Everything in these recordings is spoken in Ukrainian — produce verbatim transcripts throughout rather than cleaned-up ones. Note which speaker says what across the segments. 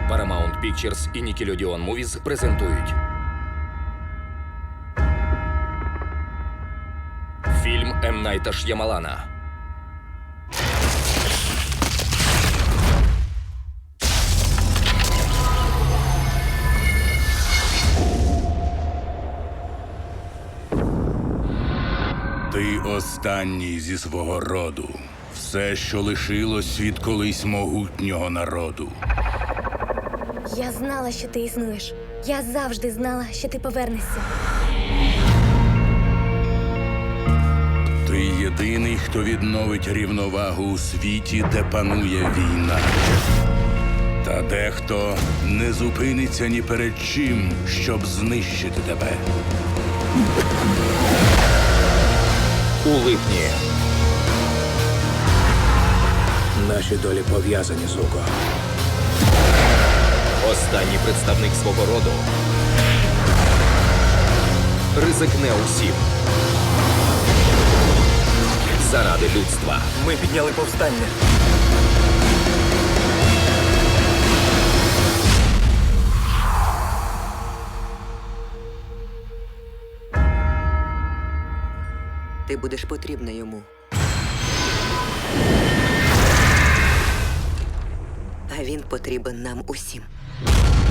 Speaker 1: Paramount Pictures і Nickelodeon Movies презентують фільм М. Найта Ш'ямалана.
Speaker 2: Ти останній зі свого роду. Все, що лишилось від колись могутнього народу.
Speaker 3: Я знала, що ти існуєш. Я завжди знала, що ти повернешся.
Speaker 2: Ти єдиний, хто відновить рівновагу у світі, де панує війна. Та дехто не зупиниться ні перед чим, щоб знищити тебе.
Speaker 1: У липні.
Speaker 4: Наші долі пов'язані, Зуко.
Speaker 1: Останній представник свого роду ризикне усім заради людства.
Speaker 4: Ми підняли повстання.
Speaker 5: Ти будеш потрібна йому. А він потрібен нам усім.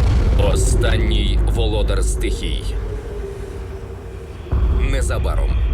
Speaker 1: Останній володар стихій. Незабаром.